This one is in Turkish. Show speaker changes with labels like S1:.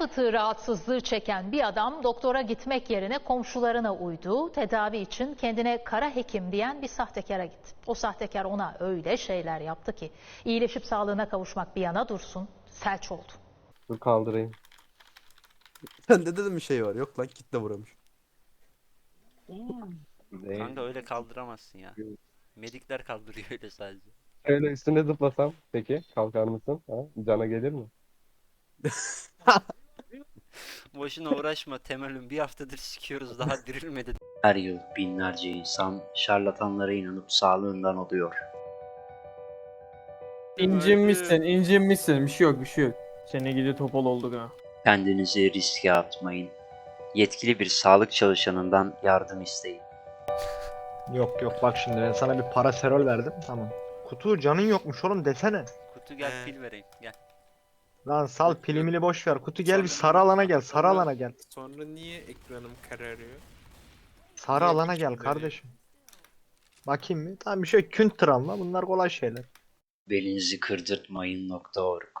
S1: fıtığı rahatsızlığı çeken bir adam doktora gitmek yerine komşularına uydu. Tedavi için kendine kara hekim diyen bir sahtekara gitti. O sahtekar ona öyle şeyler yaptı ki iyileşip sağlığına kavuşmak bir yana dursun, felç oldu.
S2: Dur kaldırayım.
S3: Sende de bir şey var. Yok lan kitle vuramış.
S4: Kanka öyle kaldıramazsın ya. Medikler kaldırıyor öyle sadece.
S2: Şöyle üstüne zıplasam peki kalkar mısın? Ha? Cana gelir mi?
S4: Boşuna uğraşma Temel'im, bir haftadır sikiyoruz daha dirilmedi.
S5: Her yıl binlerce insan şarlatanlara inanıp sağlığından oluyor.
S6: İncinmişsin. Bir şey yok. Seni gidi topal olduk ha.
S5: Kendinizi riske atmayın. Yetkili bir sağlık çalışanından yardım isteyin.
S7: Yok yok, bak şimdi ben sana bir paraserol verdim, tamam. Kutu canın yokmuş oğlum desene.
S4: Kutu gel pil vereyim gel.
S7: Lan sal pilimini boş ver. Kutu gel bir sarı alana gel. Sarı alana gel.
S3: Sonra niye ekranım kararıyor?
S7: Sarı alana gel kardeşim. Bakayım mı? Tamam, bir şey künttür ama bunlar kolay şeyler.
S5: Belinizi kırdırtmayın.org